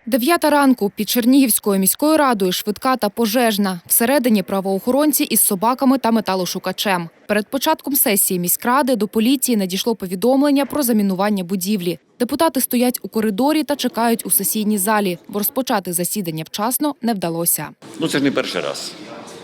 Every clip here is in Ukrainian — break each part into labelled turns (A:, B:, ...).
A: 9 ранку під Чернігівською міською радою швидка та пожежна. Всередині правоохоронці із собаками та металошукачем. Перед початком сесії міськради до поліції надійшло повідомлення про замінування будівлі. Депутати стоять у коридорі та чекають у сесійній залі, бо розпочати засідання вчасно не вдалося.
B: Це ж не перший раз.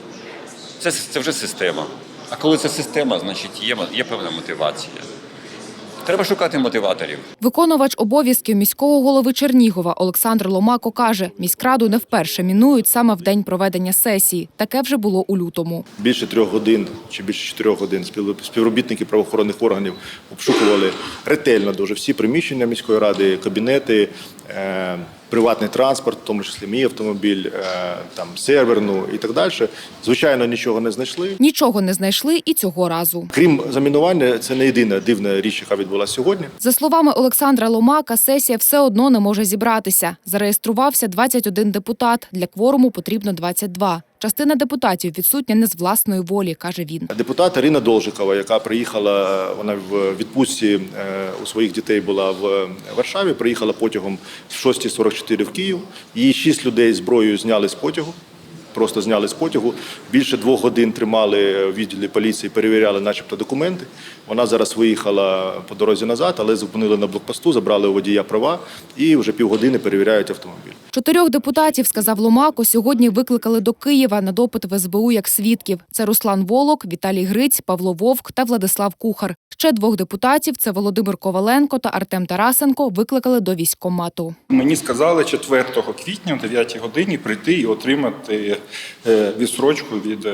B: Це вже система. А коли це система, значить є певна мотивація. Треба шукати мотиваторів.
A: Виконувач обов'язків міського голови Чернігова Олександр Ломако каже, міськраду не вперше мінують саме в день проведення сесії. Таке вже було у лютому.
C: Більше 3 годин чи більше 4 годин співробітники правоохоронних органів обшукували ретельно дуже всі приміщення міської ради, кабінети, приватний транспорт, в тому числі мій автомобіль, серверну і так далі. Звичайно, нічого не знайшли.
A: Нічого не знайшли і цього разу.
C: Крім замінування, це не єдина дивна річ, яка відбулася сьогодні.
A: За словами Олександра Ломака, сесія все одно не може зібратися. Зареєструвався 21 депутат, для кворуму потрібно 22. Частина депутатів відсутня не з власної волі, каже він.
C: Депутат Ірина Должикова, яка приїхала, вона в відпустці у своїх дітей була в Варшаві, приїхала потягом в 6:44 в Київ. Її 6 людей зброєю зняли з потягу. Просто зняли з потягу. Більше 2 годин тримали в відділі поліції, перевіряли начебто документи. Вона зараз виїхала по дорозі назад, але зупинили на блокпосту, забрали у водія права і вже півгодини перевіряють автомобіль.
A: 4 депутатів, сказав Ломако, сьогодні викликали до Києва на допит в СБУ як свідків. Це Руслан Волок, Віталій Гриць, Павло Вовк та Владислав Кухар. Ще 2 депутатів – це Володимир Коваленко та Артем Тарасенко – викликали до військкомату.
D: Мені сказали 4 квітня о 9 годині прийти і отримати відстрочку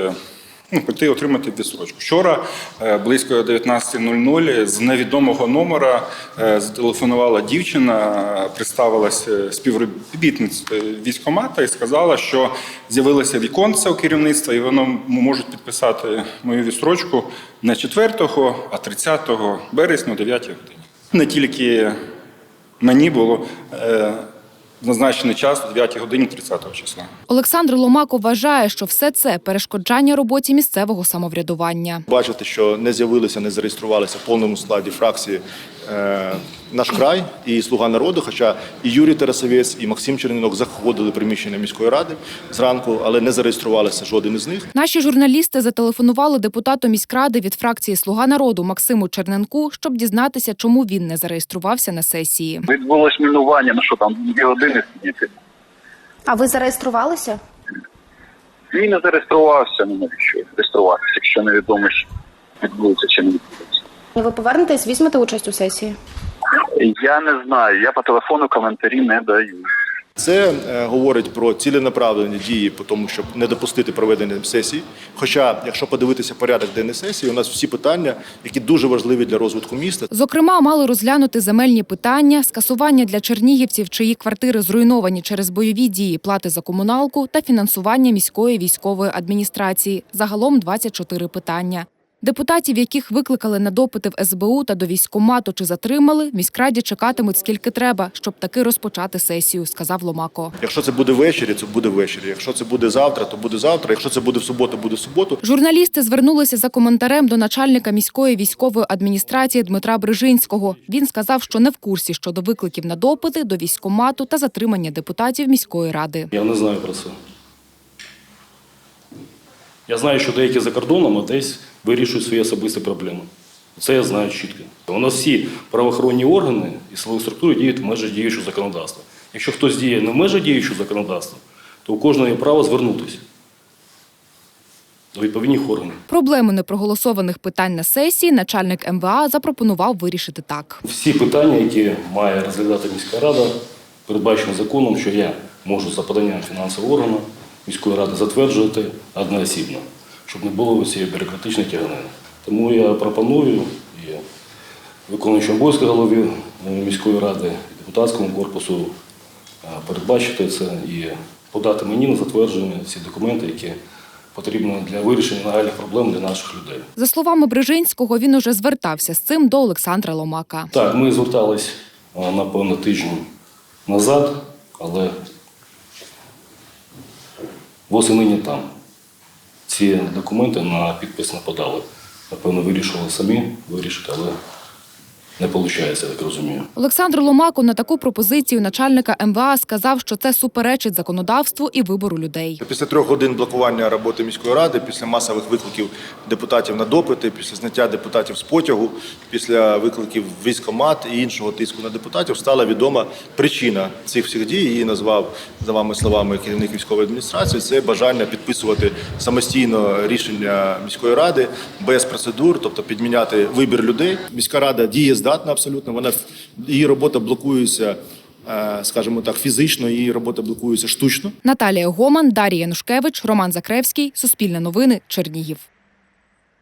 D: отримати відстрочку. Вчора близько 19:00 з невідомого номера зателефонувала дівчина, представилася співробітницею військкомату і сказала, що з'явилося віконце у керівництва і воно можуть підписати мою відстрочку не 4, а 30 березня о 9 годині. Не тільки мені було назначений час о 9 годині 30 числа.
A: Олександр Ломако вважає, що все це – перешкоджання роботі місцевого самоврядування.
C: Бачите, що не з'явилися, не зареєструвалися в повному складі фракції «Наш край» і «Слуга народу», хоча і Юрій Тарасовець, і Максим Чернінок заходили в приміщення міської ради зранку, але не зареєструвалися жоден із них.
A: Наші журналісти зателефонували депутату міськради від фракції «Слуга народу» Максиму Черненку, щоб дізнатися, чому він не зареєструвався на сесії.
E: Відбулось мінування, 2 години сидіти.
F: А ви зареєструвалися?
E: Він не зареєструвався, навіщо реєструватися, якщо невідомо, що відбудеться чи не відбудеться.
F: Ви повернетесь, візьмете участь у сесії?
E: Я не знаю, я по телефону коментарі не даю.
C: Це говорить про ціленаправлені дії по тому, щоб не допустити проведення сесії. Хоча, якщо подивитися порядок денний сесії, у нас всі питання, які дуже важливі для розвитку міста.
A: Зокрема, мали розглянути земельні питання, скасування для чернігівців, чиї квартири зруйновані через бойові дії, плати за комуналку та фінансування міської військової адміністрації. Загалом 24 питання. Депутатів, яких викликали на допити в СБУ та до військкомату чи затримали, в міськраді чекатимуть скільки треба, щоб таки розпочати сесію, сказав Ломако.
C: Якщо це буде ввечері, це буде ввечері. Якщо це буде завтра, то буде завтра. Якщо це буде в суботу, буде в суботу.
A: Журналісти звернулися за коментарем до начальника міської військової адміністрації Дмитра Брижинського. Він сказав, що не в курсі щодо викликів на допити до військкомату та затримання депутатів міської ради.
G: Я не знаю про це. Я знаю, що деякі за кордоном, а десь вирішують свої особисті проблеми. Це я знаю чітко. У нас всі правоохоронні органи і силові структури діють в межах діючого законодавства. Якщо хтось діє не в межах діючого законодавства, то у кожного є право звернутися до відповідних органів.
A: Проблему непроголосованих питань на сесії начальник МВА запропонував вирішити так.
G: Всі питання, які має розглядати міська рада, передбачено законом, що я можу за поданням фінансового органу міської ради затверджувати одноосібно, щоб не було цієї бюрократичної тяганини. Тому я пропоную і виконуючому обов'язки голові міської ради, і депутатському корпусу передбачити це і подати мені на затвердження всі документи, які потрібні для вирішення нагальних проблем для наших людей.
A: За словами Брижинського, він уже звертався з цим до Олександра Ломака.
G: Так, ми звертались, напевно, тиждень назад, але восени не там. Ці документи на підпис не подали. Напевно, вирішили самі вирішити, але не виходить, я так розумію.
A: Олександр Ломако на таку пропозицію начальника МВА сказав, що це суперечить законодавству і вибору людей.
C: Після 3 годин блокування роботи міської ради, після масових викликів депутатів на допити, після зняття депутатів з потягу, після викликів в військкомат і іншого тиску на депутатів стала відома причина цих всіх дій. Її назвав, за вами словами, керівник військової адміністрації. Це бажання підписувати самостійно рішення міської ради без процедур, тобто підміняти вибір людей. Міська рада дієздатна абсолютно. Її робота блокується, скажімо так, фізично, її робота блокується штучно.
A: Наталія Гоман, Дар'я Янушкевич, Роман Закревський. Суспільне новини. Чернігів.